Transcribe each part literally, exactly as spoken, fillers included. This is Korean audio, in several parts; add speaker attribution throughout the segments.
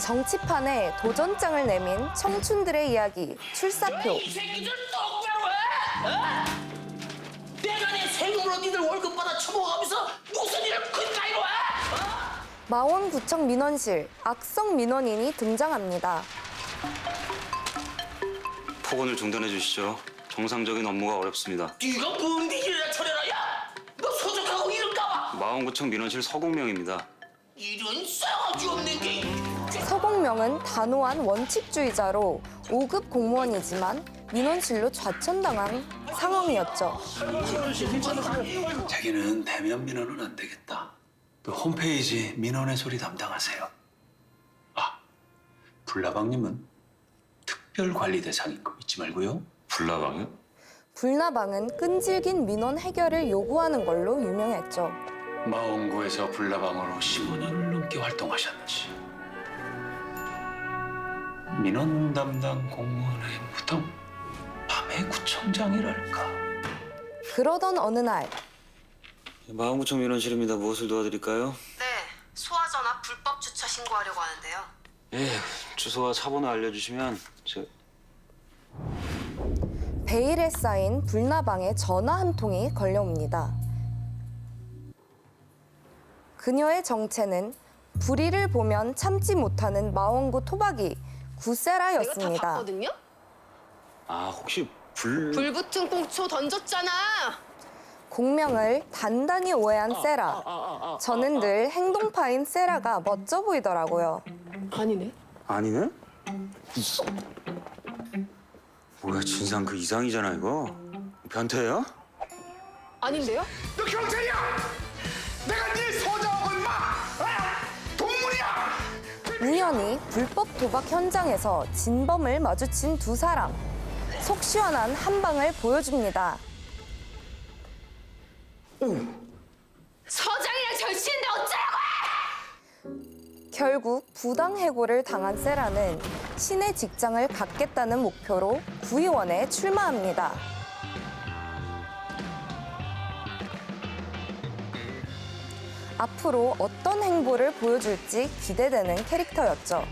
Speaker 1: 정치판에 도전장을 내민 청춘들의 이야기 출사표.
Speaker 2: 이 새끼들 똑바로 해! 어? 내가 내 세금으로 니들 월급 받아 처먹으면서 무슨 일을 그따위로 해? 어?
Speaker 1: 마원구청 민원실 악성 민원인이 등장합니다.
Speaker 3: 폭언을 중단해 주시죠. 정상적인 업무가 어렵습니다.
Speaker 2: 네가 뭔데 일이나 처리라 야! 너 소속하고 이럴까 봐!
Speaker 3: 마원구청 민원실 서공명입니다.
Speaker 2: 이런 싸가지 없는 게...
Speaker 1: 서공명은 단호한 원칙주의자로 오 급 공무원이지만 민원실로 좌천당한 상황이었죠.
Speaker 4: 자기는 대면 민원은 안 되겠다. 그 홈페이지 민원의 소리 담당하세요. 아, 불나방님은 특별관리 대상인 거 잊지 말고요.
Speaker 3: 불나방이요?
Speaker 1: 불나방은 끈질긴 민원 해결을 요구하는 걸로 유명했죠.
Speaker 4: 마원구에서 불나방으로 십오 년을 넘게 활동하셨는지 민원 담당 공무원의 무덤 밤의 구청장이랄까.
Speaker 1: 그러던 어느 날
Speaker 3: 마원구청 민원실입니다. 무엇을 도와드릴까요?
Speaker 5: 네, 소화전화 불법 주차 신고하려고 하는데요.
Speaker 3: 예, 주소와 차번호 알려주시면 저...
Speaker 1: 베일에 쌓인 불나방에 전화 한 통이 걸려옵니다. 그녀의 정체는 불의를 보면 참지 못하는 마원구 토박이 구세라였습니다.
Speaker 5: 내가 다 봤거든요?
Speaker 3: 아, 혹시 불...
Speaker 5: 불 붙은 꽁초 던졌잖아.
Speaker 1: 공명을 단단히 오해한 세라. 저는 늘 행동파인 세라가 멋져 보이더라고요.
Speaker 5: 아니네.
Speaker 3: 아니네? 뭐야, 진상 그 이상이잖아, 이거. 변태야?
Speaker 5: 아닌데요?
Speaker 6: 너 경찰이야! 내가 네 소장하고 임마! 아! 동물이야!
Speaker 1: 우연히 불법 도박 현장에서 진범을 마주친 두 사람. 속 시원한 한 방을 보여줍니다.
Speaker 5: 서장이랑 절친인데 어쩌라고!
Speaker 1: 결국 부당 해고를 당한 세라는 신의 직장을 갖겠다는 목표로 구의원에 출마합니다. 앞으로 어떤 행보를 보여줄지 기대되는 캐릭터였죠.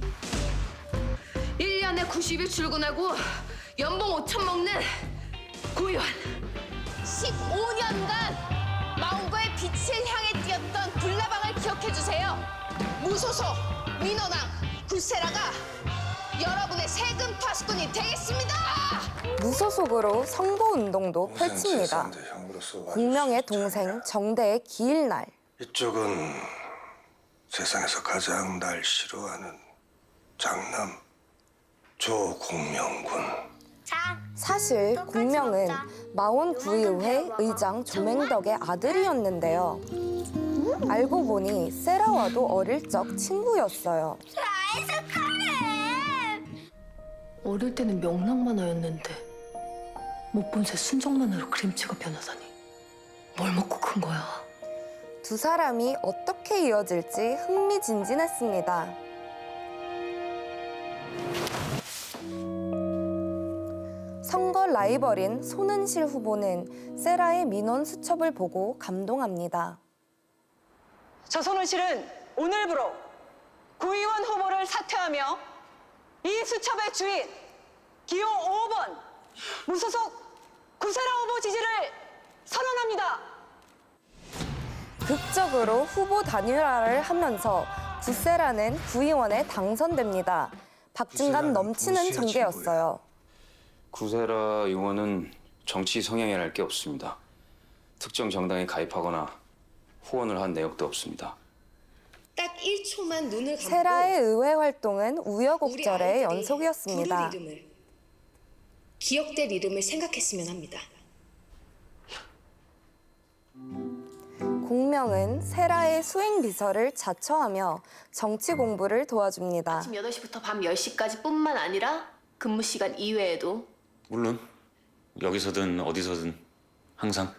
Speaker 5: 일 년에 구십 일 출근하고 연봉 오천 먹는 구의원. 십오 년간 마원구의 빛을 향해 뛰었던 불나방을 기억해주세요. 무소속 민원왕 굴세라가 여러분의 세금 파수꾼이 되겠습니다.
Speaker 1: 무소속으로 선거운동도 펼칩니다. 공명의 동생 정대의 기일날.
Speaker 7: 이쪽은 세상에서 가장 날 싫어하는 장남 조공명군.
Speaker 1: 사실 공명은 마원구의회 의장 조맹덕의 아들이었는데요. 알고 보니 세라와도 어릴 적 친구였어요.
Speaker 8: 어릴 때는 명랑만화였는데 못 본 새 순정만화로 그림체가 변하다니. 뭘 먹고 큰 거야?
Speaker 1: 두 사람이 어떻게 이어질지 흥미진진했습니다. 선거 라이벌인 손은실 후보는 세라의 민원 수첩을 보고 감동합니다.
Speaker 9: 저 손은실은 오늘부로 구의원 후보를 사퇴하며 이 수첩의 주인 기호 오 번 무소속 구세라 후보 지지를 선언합니다.
Speaker 1: 극적으로 후보 단일화를 하면서 구세라는 구의원에 당선됩니다. 박진감 넘치는 전개였어요.
Speaker 3: 구세라 의원은 정치 성향이랄 게 없습니다. 특정 정당에 가입하거나 후원을 한 내역도 없습니다.
Speaker 5: 딱 일 초만 눈을 감고
Speaker 1: 세라의 의회 활동은
Speaker 5: 우리
Speaker 1: 우여곡절의
Speaker 5: 아이들이
Speaker 1: 연속이었습니다.
Speaker 5: 부를 이름을, 기억될 이름을 생각했으면 합니다.
Speaker 1: 공명은 세라의 수행 비서를 자처하며 정치 공부를 도와줍니다.
Speaker 8: 아침 여덟 시부터 밤 열 시까지 뿐만 아니라 근무 시간 이외에도
Speaker 3: 물론 여기서든 어디서든 항상.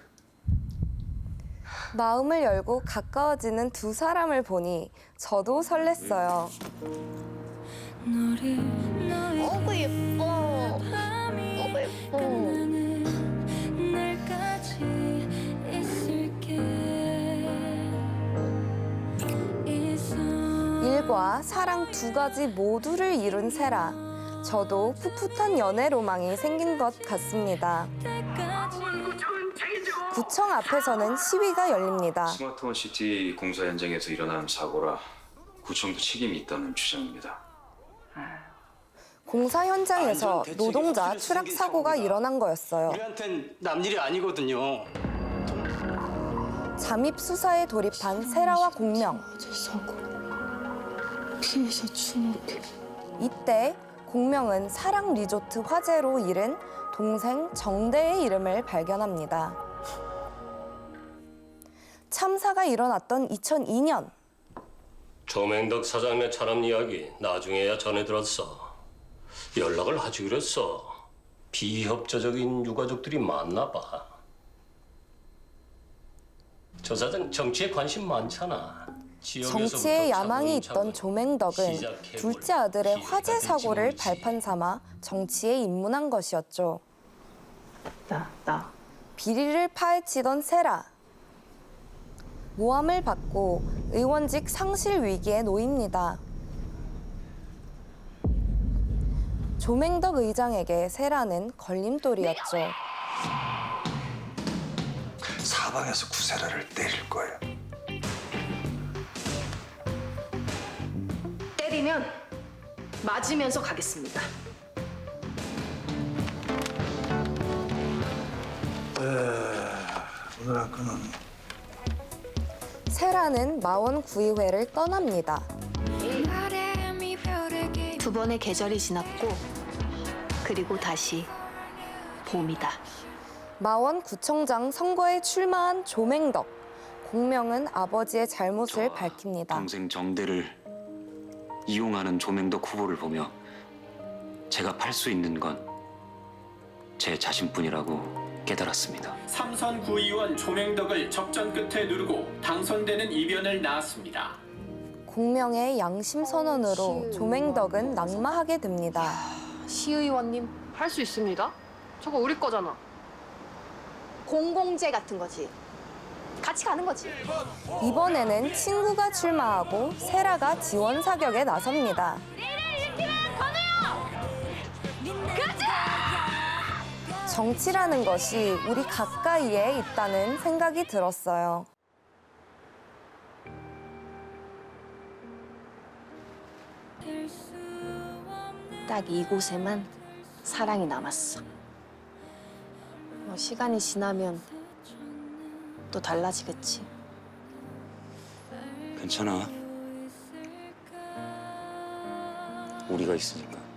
Speaker 1: 마음을 열고 가까워지는 두 사람을 보니 저도 설렜어요.
Speaker 5: 어구 예뻐. 어구 예뻐.
Speaker 1: 일과 연애와 사랑 두 가지 모두를 이룬 세라. 저도 풋풋한 연애 로망이 생긴 것 같습니다. 구청 앞에서는 시위가 열립니다.
Speaker 3: 스마트원 시티 공사 현장에서 일어난 사고라 구청도 책임이 있다는 주장입니다.
Speaker 1: 공사 현장에서 노동자 추락 사고가 일어난 거였어요.
Speaker 10: 우리한텐 남일이 아니거든요.
Speaker 1: 잠입 수사에 돌입한 세라와 공명.
Speaker 8: 사고. 피해자 추모기.
Speaker 1: 이때 공명은 사랑 리조트 화재로 잃은 동생 정대의 이름을 발견합니다. 참사가 일어났던 이천이 년.
Speaker 11: 조맹덕 사장네 차남 이야기 나중에야 전해 들었어. 연락을 하지 그랬어. 비협조적인 유가족들이 많나 봐. 저 사장 정치에 관심 많잖아.
Speaker 1: 정치에 야망이 있던 조맹덕은 둘째 아들의 화재 사고를 발판 삼아 정치에 입문한 것이었죠.
Speaker 8: 나, 나.
Speaker 1: 비리를 파헤치던 세라. 모함을 받고 의원직 상실 위기에 놓입니다. 조맹덕 의장에게 세라는 걸림돌이었죠.
Speaker 7: 사방에서 구세라를 때릴 거예요.
Speaker 8: 때리면 맞으면서 가겠습니다.
Speaker 7: 오늘 한 건은
Speaker 1: 세라는 마원 구의회를 떠납니다.
Speaker 8: 두 번의 계절이 지났고 그리고 다시 봄이다.
Speaker 1: 마원 구청장 선거에 출마한 조맹덕. 공명은 아버지의 잘못을 밝힙니다.
Speaker 12: 동생 정대를 이용하는 조맹덕 후보를 보며 제가 팔 수 있는 건 제 자신뿐이라고 깨달았습니다.
Speaker 13: 삼선 구의원 조맹덕을 접전 끝에 누르고 당선되는 이변을 낳았습니다.
Speaker 1: 공명의 양심 선언으로 조맹덕은 낙마하게 됩니다.
Speaker 8: 시의원님 할 수 있습니다. 저거 우리 거잖아.
Speaker 5: 공공재 같은 거지. 같이 가는 거지.
Speaker 1: 이번에는 친구가 출마하고 세라가 지원 사격에 나섭니다. 정치라는 것이 우리 가까이에 있다는 생각이 들었어요.
Speaker 5: 딱 이곳에만 사랑이 남았어. 뭐 시간이 지나면 또 달라지겠지.
Speaker 12: 괜찮아. 우리가 있으니까.